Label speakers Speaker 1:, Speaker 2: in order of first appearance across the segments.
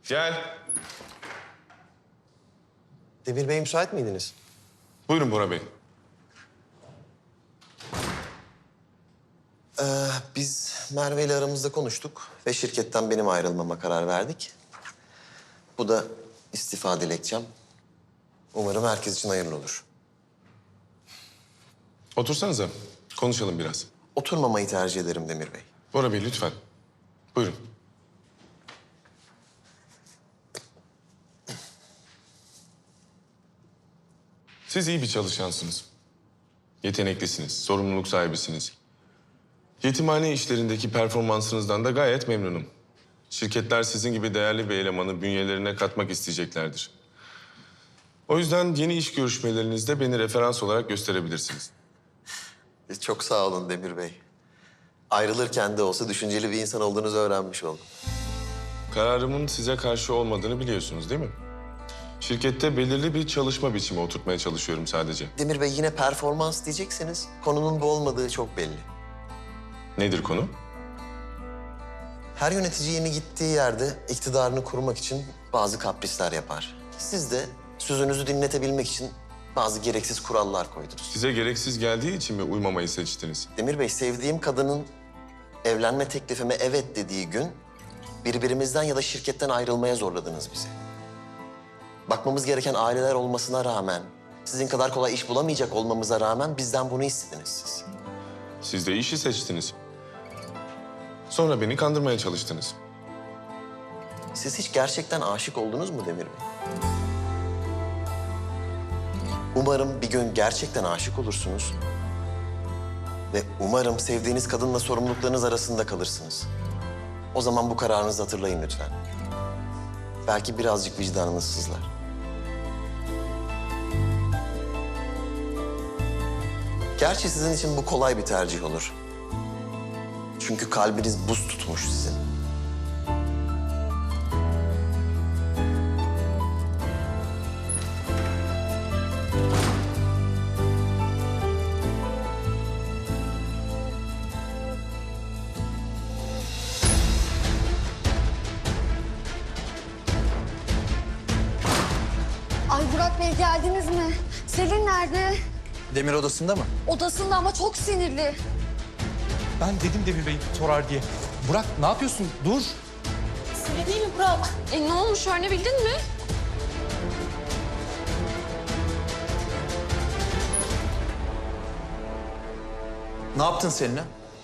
Speaker 1: Gel.
Speaker 2: Demir Bey müsait miydiniz?
Speaker 1: Buyurun Bora Bey.
Speaker 2: Biz Merve ile aramızda konuştuk ve şirketten benim ayrılmama karar verdik. Bu da istifa dilekçem. Umarım herkes için hayırlı olur.
Speaker 1: Otursanıza. Konuşalım biraz.
Speaker 2: Oturmamayı tercih ederim Demir Bey.
Speaker 1: Bora Bey lütfen. Buyurun. Siz iyi bir çalışansınız. Yeteneklisiniz, sorumluluk sahibisiniz. Yetimhane işlerindeki performansınızdan da gayet memnunum. Şirketler sizin gibi değerli bir elemanı bünyelerine katmak isteyeceklerdir. O yüzden yeni iş görüşmelerinizde beni referans olarak gösterebilirsiniz.
Speaker 2: Çok sağ olun Demir Bey. Ayrılırken de olsa düşünceli bir insan olduğunuzu öğrenmiş oldum.
Speaker 1: Kararımın size karşı olmadığını biliyorsunuz değil mi? Şirkette belirli bir çalışma biçimi oturtmaya çalışıyorum sadece.
Speaker 2: Demir Bey yine performans diyecekseniz konunun bu olmadığı çok belli.
Speaker 1: Nedir konu?
Speaker 2: Her yönetici yeni gittiği yerde iktidarını kurmak için bazı kaprisler yapar. Siz de sözünüzü dinletebilmek için bazı gereksiz kurallar koydunuz.
Speaker 1: Size gereksiz geldiği için mi uymamayı seçtiniz?
Speaker 2: Demir Bey, sevdiğim kadının evlenme teklifime evet dediği gün birbirimizden ya da şirketten ayrılmaya zorladınız bizi. Bakmamız gereken aileler olmasına rağmen, sizin kadar kolay iş bulamayacak olmamıza rağmen bizden bunu istediniz siz.
Speaker 1: Siz de işi seçtiniz. Sonra beni kandırmaya çalıştınız.
Speaker 2: Siz hiç gerçekten aşık oldunuz mu Demir Bey? Umarım bir gün gerçekten aşık olursunuz. Ve umarım sevdiğiniz kadınla sorumluluklarınız arasında kalırsınız. O zaman bu kararınızı hatırlayın lütfen. Belki birazcık vicdanınız sızlar. Gerçi sizin için bu kolay bir tercih olur. Çünkü kalbiniz buz tutmuş sizin.
Speaker 3: Ay Burak Bey geldiniz mi? Selin nerede?
Speaker 4: Demir odasında mı?
Speaker 3: Odasında ama çok sinirli.
Speaker 4: Ben dedim Demir Bey sorar diye. Burak ne yapıyorsun? Dur.
Speaker 3: Sinirli değil mi Burak? Ne olmuş öğrenebildin mi?
Speaker 4: Ne yaptın seninle?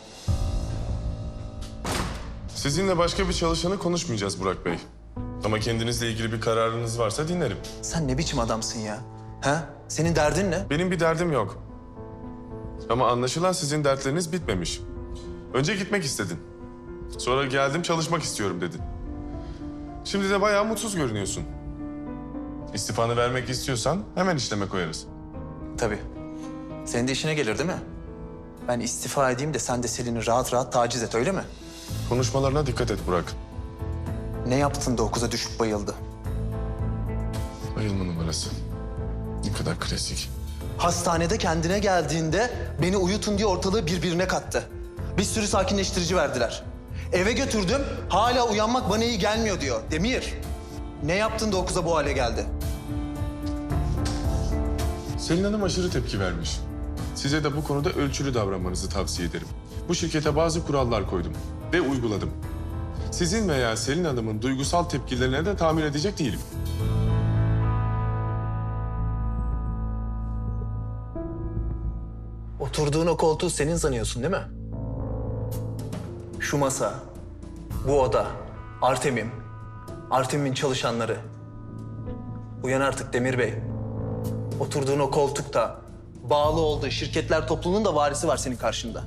Speaker 1: Sizinle başka bir çalışanı konuşmayacağız Burak Bey. Ama kendinizle ilgili bir kararınız varsa dinlerim.
Speaker 4: Sen ne biçim adamsın ya? Ha? Senin derdin ne?
Speaker 1: Benim bir derdim yok. Ama anlaşılan sizin dertleriniz bitmemiş. Önce gitmek istedin. Sonra geldim çalışmak istiyorum dedin. Şimdi de bayağı mutsuz görünüyorsun. İstifanı vermek istiyorsan hemen işleme koyarız.
Speaker 4: Tabii. Senin de işine gelir değil mi? Ben istifa edeyim de sen de Selin'i rahat rahat taciz et öyle mi?
Speaker 1: Konuşmalarına dikkat et Burak.
Speaker 4: Ne yaptın da o kıza düşüp bayıldı?
Speaker 1: Bayılma numarası. Ne kadar klasik.
Speaker 4: Hastanede kendine geldiğinde beni uyutun diye ortalığı birbirine kattı. Bir sürü sakinleştirici verdiler. Eve götürdüm, hala uyanmak bana iyi gelmiyor diyor. Demir, ne yaptın da o kıza bu hale geldi?
Speaker 1: Selin Hanım aşırı tepki vermiş. Size de bu konuda ölçülü davranmanızı tavsiye ederim. Bu şirkete bazı kurallar koydum ve uyguladım. Sizin veya Selin Hanım'ın duygusal tepkilerine de tahammül edecek değilim.
Speaker 4: Oturduğun o koltuğu senin sanıyorsun değil mi? Şu masa, bu oda, Artemim'in çalışanları. Uyan artık Demir Bey. Oturduğun o koltukta, bağlı olduğu şirketler topluluğunun da varisi var senin karşında.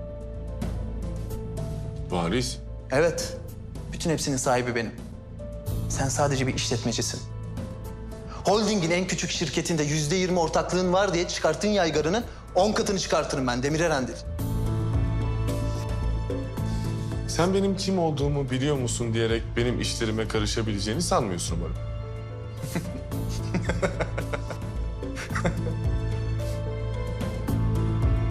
Speaker 1: Varis,
Speaker 4: Evet, bütün hepsinin sahibi benim. Sen sadece bir işletmecisin. Holding'in en küçük şirketinde %20 ortaklığın var diye çıkarttığın yaygarının 10 katını çıkartırım ben Demir Erendil.
Speaker 1: sen benim kim olduğumu biliyor musun diyerek benim işlerime karışabileceğini sanmıyorsun umarım.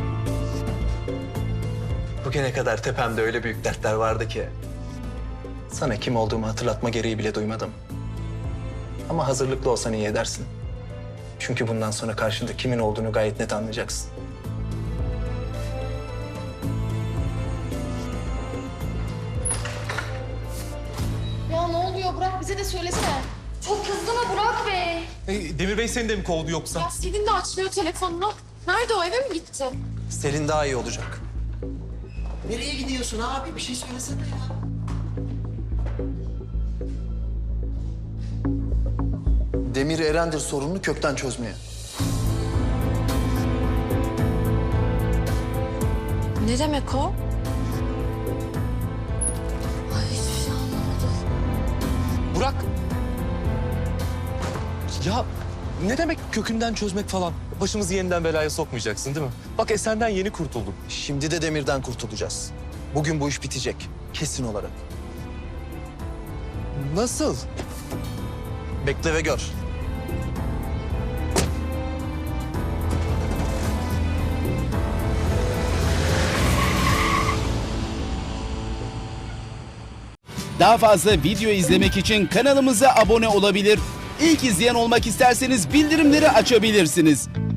Speaker 4: Bugüne kadar tepemde öyle büyük dertler vardı ki. Sana kim olduğumu hatırlatma gereği bile duymadım. Ama hazırlıklı olsan iyi edersin. Çünkü bundan sonra karşında kimin olduğunu gayet net anlayacaksın.
Speaker 3: Ya ne oluyor Burak? Bize de söylesene. Çok kızdı mı Burak Bey?
Speaker 5: Demir Bey seni de mi kovdu yoksa?
Speaker 3: Ya Selin de açmıyor telefonunu. Nerede o? Eve mi gitti?
Speaker 4: Selin daha iyi olacak.
Speaker 2: Nereye gidiyorsun abi? Bir şey söylesene ya.
Speaker 4: Demir Erendir sorununu kökten çözmeye.
Speaker 3: Ne demek o? Ay hiçbir şey anlamadım.
Speaker 5: Burak! Ya ne demek kökünden çözmek falan? Başımızı yeniden belaya sokmayacaksın değil mi? Bak Esen'den yeni kurtulduk.
Speaker 4: Şimdi de Demir'den kurtulacağız. Bugün bu iş bitecek. Kesin olarak.
Speaker 5: Nasıl?
Speaker 4: Bekle ve gör.
Speaker 6: Daha fazla video izlemek için kanalımıza abone olabilir. İlk izleyen olmak isterseniz bildirimleri açabilirsiniz.